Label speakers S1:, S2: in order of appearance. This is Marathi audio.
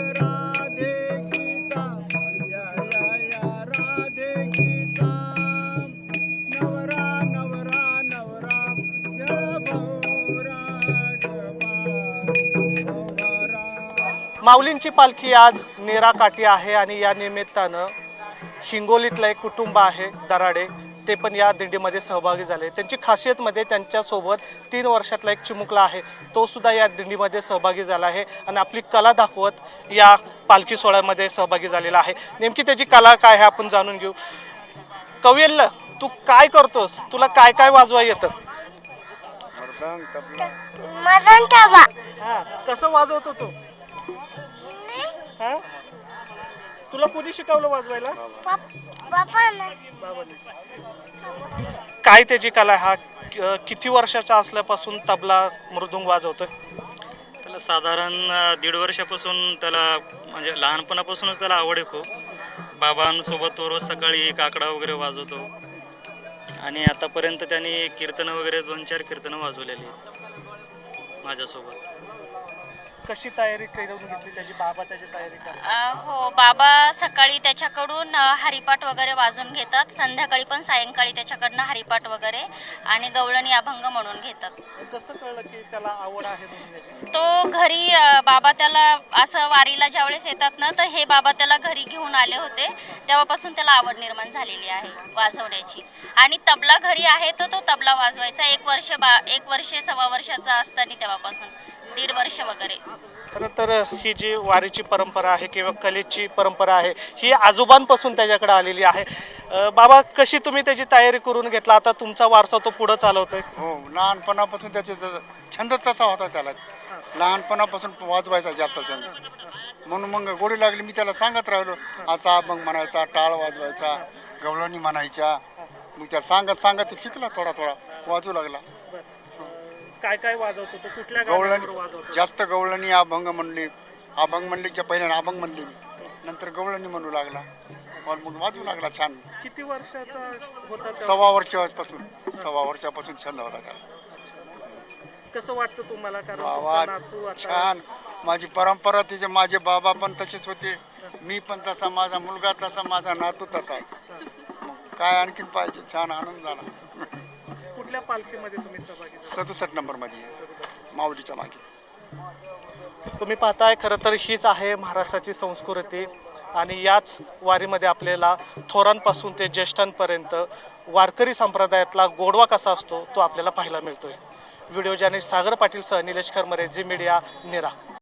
S1: राधे गीता या या या राधे गीता नवरा नवरा नवरा जय भौरा
S2: माऊलींची पालखी आज नेराकाठी आहे आणि या निमित्तानं हिंगोलीतलं एक कुटुंब आहे दराडे, ते पण या दिंडीमध्ये सहभागी झाले. त्यांची खासियतमध्ये त्यांच्यासोबत 3 वर्षातला एक चिमुकला आहे, तो सुद्धा या दिंडीमध्ये सहभागी झाला आहे आणि आपली कला दाखवत या पालखी सोहळ्यामध्ये सहभागी झालेला आहे. नेमकी त्याची कला काय आहे आपण जाणून घेऊ. कवियल्ल, तू काय करतोस? तुला काय काय वाजवा येतं?
S3: मदन तबा.
S2: कसं वाजवतो तू? तुला कोणी शिकवलं वाजवायला? काय त्याची कला? हा किती वर्षाचा असल्यापासून तबला मृदुंग वाजवतोय?
S4: त्याला साधारण 1.5 वर्षापासून त्याला म्हणजे लहानपणापासूनच त्याला आवड आहे खूप. बाबांसोबत तो रोज सकाळी काकडा वगैरे वाजवतो आणि आतापर्यंत त्यांनी कीर्तनं वगैरे 2-4 कीर्तनं वाजवलेली आहेत माझ्यासोबत.
S2: कशी तयारी करून घेतली त्याची? बाबा त्याची तयारी करतात?
S5: हो, बाबा सकाळी त्याच्याकडून हरिपाठ वगैरे वाजून घेतात, संध्याकाळी पण सायंकाळी त्याच्याकडनं हरिपाठ वगैरे आणि गवळणी अभंग म्हणून घेतात.
S2: कसं कळलं की त्याला आवड आहे म्हणून याची?
S5: तो घरी बाबा त्याला असं वारीला ज्यावेळेस येतात ना, तर हे बाबा त्याला घरी घेऊन आले होते, तेव्हापासून त्याला आवड निर्माण झालेली आहे वाजवण्याची. आणि तबला घरी आहे तर तो तबला वाजवायचा 1 वर्ष 1.25 वर्षाचा असताना, तेव्हापासून 1.5 वर्ष वगैरे.
S2: खरं तर ही जी वारीची परंपरा आहे किंवा कलेची परंपरा आहे, ही आजोबांपासून त्याच्याकडे आलेली आहे. बाबा, कशी तुम्ही त्याची तयारी करून घेतला? आता तुमचा वारसा तो पुढे चालवतोय.
S1: हो, लहानपणापासून त्याचे छंद तसा होता, त्याला लहानपणापासून वाजवायचा जास्त छंद, म्हणून मग गोडी लागली. मी त्याला सांगत राहिलो, असा अभंग म्हणायचा, टाळ वाजवायचा, गवळणी म्हणायच्या. मग त्या सांगत सांगत शिकला, थोडा थोडा वाजू लागला.
S2: काय काय वाजवतो तो? कुठल्या
S1: गवळणी
S2: गाण्यावर वाजवतो?
S1: जास्त गवळणी, अभंग म्हणलीच्या पहिल्याने अभंग म्हणली, नंतर गवळणी म्हणू लागला, मग वाजू लागला छान.
S2: किती वर्षाचा होता?
S1: 1.25 वर्षापासून छंद होता त्याला.
S2: कसं वाटतं तुम्हाला? कारण तुमचा
S1: आवाज
S2: नातू आता
S1: छान. माझी परंपरा तिचे, माझे बाबा पण तसेच होते, मी पण तसा, माझा मुलगा तसा, माझा नातू तसाच. मग काय आणखीन पाहिजे? छान आनंद झाला.
S2: कुठल्या पालखीमध्ये तुम्ही सहभागी झाला?
S1: 67 नंबरमध्ये माऊलीच्या मागे.
S2: तुम्ही पाहताय, खरं तर हीच आहे महाराष्ट्राची संस्कृती आणि याच वारीमध्ये आपल्याला थोरांपासून ते ज्येष्ठांपर्यंत वारकरी संप्रदायातला गोडवा कसा असतो तो आपल्याला पाहायला मिळतोय. व्हिडिओ जर्नलिस्ट सागर पाटील सह निलेश खरमरे, झी मीडिया, नेरा.